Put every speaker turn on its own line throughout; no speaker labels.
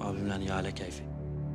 Abimle ihale keyfi.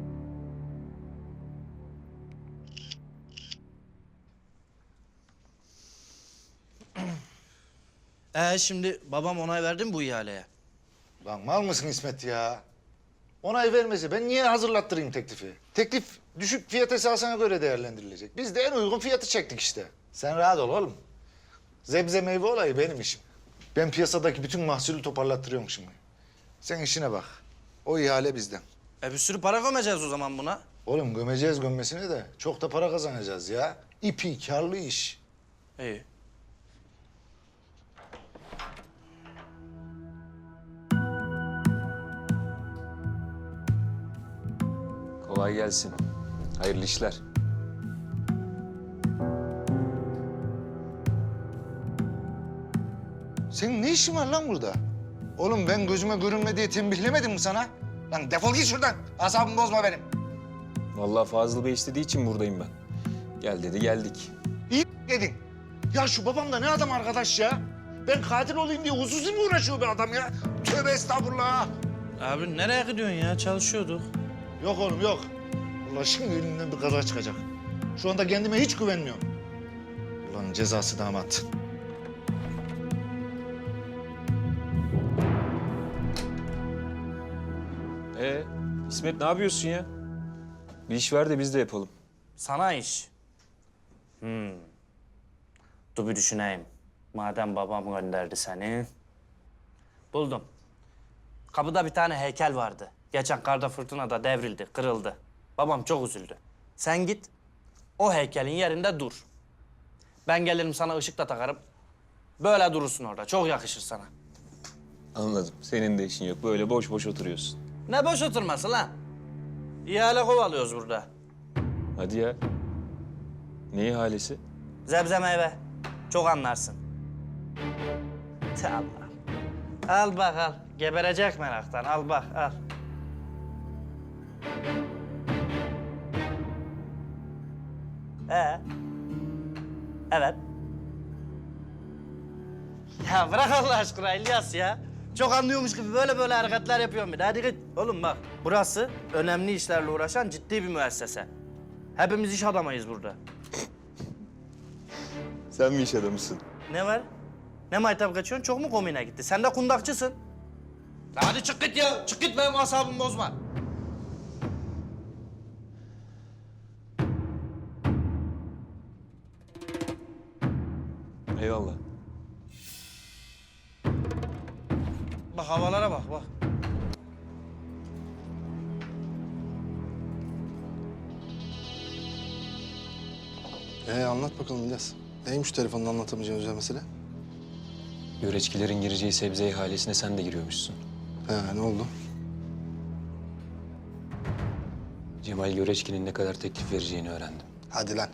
Şimdi babam onay verdi mi bu ihaleye?
Lan mal mısın İsmet ya? Onay vermesi ben niye hazırlattırayım teklifi? Teklif düşük fiyat esasına göre değerlendirilecek. Biz de en uygun fiyatı çektik işte. Sen rahat ol oğlum. Zebze meyve olayı benim işim. Ben piyasadaki bütün mahsulü toparlattırıyorum şimdi. Sen işine bak. O ihale bizden.
Bir sürü para gömeceğiz o zaman buna.
Oğlum gömeceğiz gömmesine de çok da para kazanacağız ya. İpi karlı iş.
İyi.
Kolay gelsin. Hayırlı işler.
Senin ne işin var lan burada? Oğlum ben gözüme görünme diye tembihlemedim mi sana? Lan defol git şuradan. Asabımı bozma benim.
Vallahi Fazıl Bey istediği için buradayım ben. Gel dedi, geldik.
İyi dedin. Ya şu babam da ne adam arkadaş ya? Ben katil olayım diye huzusi mi uğraşıyor be adam ya? Tövbe estağfurullah.
Abi nereye gidiyorsun ya? Çalışıyorduk.
Yok oğlum yok. Allah şimdi elimden bir kaza çıkacak. Şu anda kendime hiç güvenmiyorum. Ulan cezası damat.
İsmet ne yapıyorsun ya? Bir iş ver de biz de yapalım.
Sana iş. Dur bir düşüneyim. Madem babam gönderdi seni. Buldum. Kapıda bir tane heykel vardı. Geçen karda fırtınada devrildi, kırıldı. Babam çok üzüldü. Sen git, o heykelin yerinde dur. Ben gelirim sana ışık da takarım. Böyle durursun orada, çok yakışır sana.
Anladım. Senin de işin yok. Böyle boş boş oturuyorsun.
Ne boş oturması lan? İhale kovalıyoruz burada.
Hadi ya. Ne ihalesi?
Zebze meyve. Çok anlarsın. Allah. Al bak al. Geberecek meraktan. Al bak al. Evet. Ya bırak Allah aşkına İlyas ya. Çok anlıyormuş gibi böyle hareketler yapıyorum bir de. Hadi git. Oğlum bak burası önemli işlerle uğraşan ciddi bir müessese. Hepimiz iş adamıyız burada.
Sen mi iş adamısın?
Ne var? Ne maytap kaçıyorsun? Çok mu komiğine gitti? Sen de kundakçısın. Ya hadi çık git ya. Çık git benim asabımı bozma.
Eyvallah.
Bak havalara bak bak.
Anlat bakalım İlyas. Neymiş telefonda anlatamayacağın özel mesele?
Göreçkilerin gireceği sebze ihalesine sen de giriyormuşsun.
Ne oldu?
Cemal Göreçki'nin ne kadar teklif vereceğini öğrendim.
Hadi lan.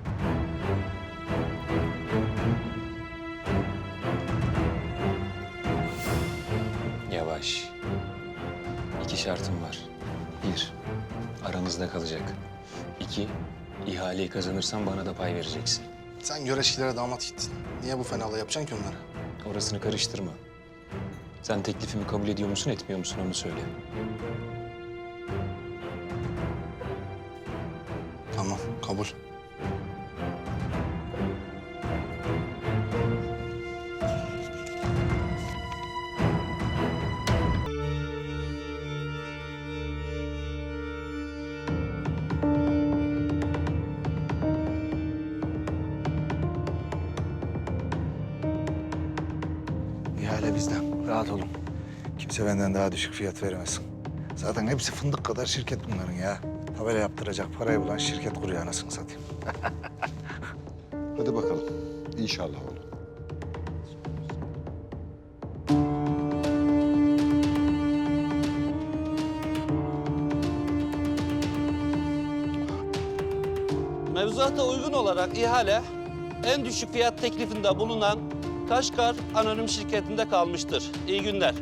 Yavaş. 2 şartım var. 1, aramızda kalacak. 2, ihaleyi kazanırsan bana da pay vereceksin.
Sen göreçkilere damat gittin. Niye bu fenalığı yapacaksın ki onlara?
Orasını karıştırma. Sen teklifimi kabul ediyor musun, etmiyor musun onu söyle.
Tamam, kabul.
İhale bizden. Rahat olun. Kimse benden daha düşük fiyat vermesin. Zaten hepsi fındık kadar şirket bunların ya. Tabela yaptıracak parayı bulan şirket kuruyor anasını satayım.
Hadi bakalım. İnşallah oğlum.
Mevzuata uygun olarak ihale en düşük fiyat teklifinde bulunan Kaşgar Anonim Şirketi'nde kalmıştır. İyi günler.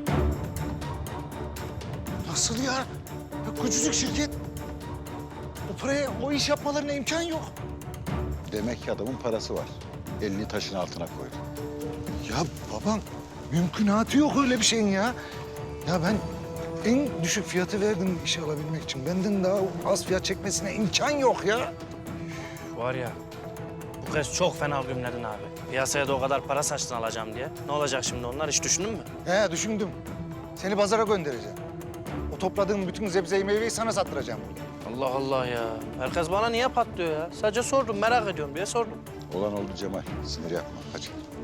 Nasıl ya? Ya küçücük şirket. O paraya o iş yapmalarına imkan yok.
Demek ki adamın parası var. Elini taşın altına koydu.
Ya babam mümkünatı yok öyle bir şeyin ya. Ya ben en düşük fiyatı verdin işe alabilmek için. Benden daha az fiyat çekmesine imkan yok ya.
Var ya, bu kez çok fena gümledin abi. Piyasaya da o kadar para saçtın alacağım diye. Ne olacak şimdi onlar, hiç düşündün mü?
He düşündüm. Seni pazara göndereceğim. O topladığım bütün sebzeyi meyveyi sana sattıracağım burada.
Allah Allah ya. Herkes bana niye patlıyor ya? Sadece sordum, merak ediyorum diye sordum.
Olan oldu Cemal. Sinir yapma. Hadi.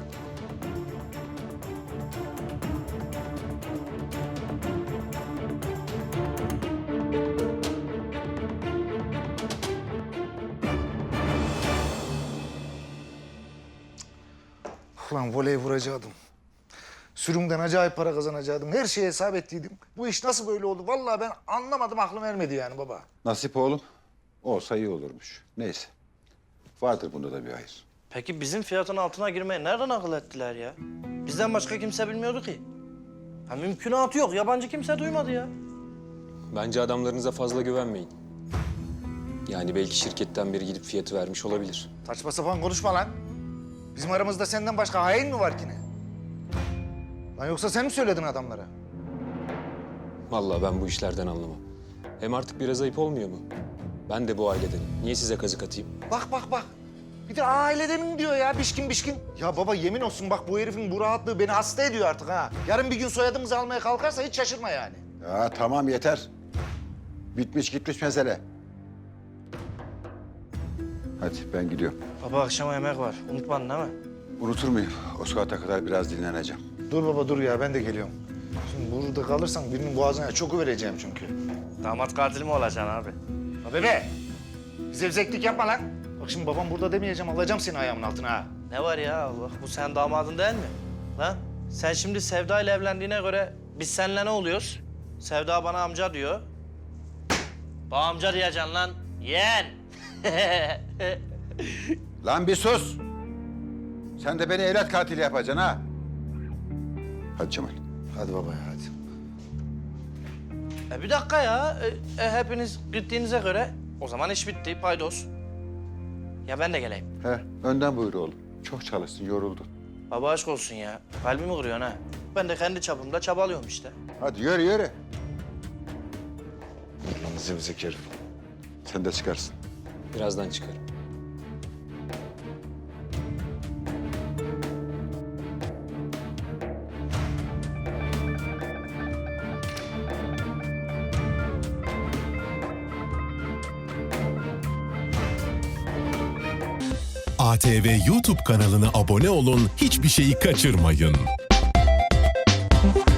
Ulan voley vuracaktım. Sürümden acayip para kazanacaktım. Her şeyi hesap ettiydim. Bu iş nasıl böyle oldu? Vallahi ben anlamadım, aklım ermedi yani baba.
Nasip oğlum. Olsa iyi olurmuş. Neyse. Vardır bunda da bir hayır.
Peki bizim fiyatın altına girmeyi nereden akıl ettiler ya? Bizden başka kimse bilmiyordu ki. Ha, mümkünatı yok. Yabancı kimse duymadı ya.
Bence adamlarınıza fazla güvenmeyin. Yani belki şirketten biri gidip fiyatı vermiş olabilir.
Saçma sapan konuşma lan. Bizim aramızda senden başka hain mi var ki ne? Lan yoksa sen mi söyledin adamlara?
Vallahi ben bu işlerden anlamam. Hem artık biraz ayıp olmuyor mu? Ben de bu ailedenim. Niye size kazık atayım?
Bak bak bak. Bir de ailedenim diyor ya, bişkin bişkin. Ya baba yemin olsun bak, bu herifin bu rahatlığı beni hasta ediyor artık ha. Yarın bir gün soyadımızı almaya kalkarsa hiç şaşırma yani.
Ya tamam yeter. Bitmiş gitmiş mesele. Hadi ben gidiyorum.
Baba akşama yemek var. Unutmadın değil mi?
Unutur muyum? O saate kadar biraz dinleneceğim.
Dur baba dur ya, ben de geliyorum. Şimdi burada kalırsan birinin boğazına çok vereceğim çünkü.
Damat katili mi olacaksın abi?
Ha bebe, zevzeklik yapma lan. Bak şimdi babam burada demeyeceğim, alacağım seni ayağımın altına ha.
Ne var ya Allah, bu senin damadın değil mi? Lan sen şimdi Sevda ile evlendiğine göre biz seninle ne oluyoruz? Sevda bana amca diyor. Bana amca diyeceksin lan. Yeğen.
Lan bir sus! Sen de beni evlat katili yapacaksın ha. Hadi Cemal.
Hadi baba ya hadi.
Bir dakika ya. Hepiniz gittiğinize göre o zaman iş bitti. Paydos. Ya ben de geleyim.
He, önden buyur oğlum. Çok çalıştın, yoruldun.
Baba aşk olsun ya. Kalbimi kırıyorsun ha. Ben de kendi çapımda çabalıyorum işte.
Hadi yürü yürü.
Lan zevzek herif.
Sen de çıkarsın.
Birazdan çıkarım.
ATV YouTube kanalına abone olun, hiçbir şeyi kaçırmayın.